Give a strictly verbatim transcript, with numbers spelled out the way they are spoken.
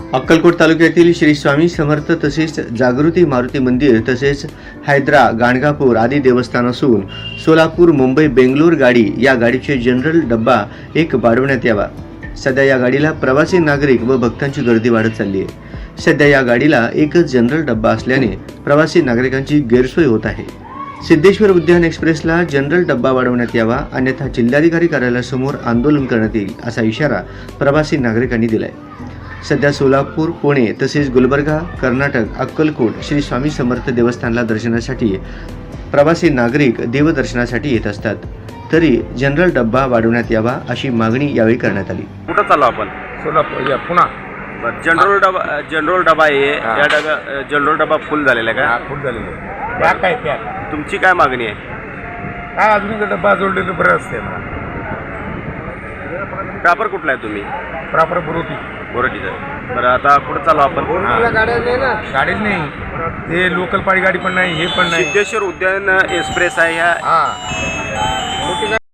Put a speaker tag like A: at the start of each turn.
A: अक्कलकोट तालुक्यातील श्री स्वामी समर्थ तसेच जागृती मारुती मंदिर तसेच हैदरा गाणगापूर आदी देवस्थान असून सोलापूर मुंबई बेंगलोर गाडी या गाडीचे जनरल डब्बा एक वाढवण्यात यावा। सध्या या गाडीला प्रवासी नागरिक व भक्तांची गर्दी वाढत चालली आहे। सध्या या गाडीला एकच जनरल डब्बा असल्याने प्रवासी नागरिकांची गैरसोय होत आहे। सिद्धेश्वर उद्यान एक्सप्रेसला जनरल डब्बा वाढवण्यात यावा, अन्यथा जिल्हाधिकारी कार्यालयासमोर आंदोलन करण्यात येईल असा इशारा प्रवासी नागरिकांनी दिलाय। सध्या सोलापूर, पुणे तसेच गुलबर्गा, कर्नाटक, अक्कलकोट श्री स्वामी समर्थ देवस्थानला दर्शनासाठी प्रवासी नागरिक देवदर्शनासाठी येत असतात, तरी जनरल डब्बा वाढवण्यात यावा अशी मागणी यावेळी करण्यात आली।
B: कुठं चाललो आपण?
C: सोलापूर या पुन्हा
B: जनरल डबा जनरल डबा आहे,
C: हा.
B: या डबा जनरल डबा फुल झालेला आहे
C: हा,
B: का?
C: फुल झालेलं आहे। पॅक आहे पॅक
B: तुमची काय मागणी आहे?
C: काय अजून एक डब्बा जोडलेलं बरं असते मला।
B: प्रॉपर कुठला आहे तुम्ही?
C: प्रॉपर बुरोटी
B: बोरटीचं। बरं, आता कुठं चाललो आपण?
C: गाडीच नाही, ते लोकल पाळी गाडी पण नाही, हे पण नाही।
B: सिद्धेश्वर उद्यान एक्सप्रेस आहे ह्या
C: हा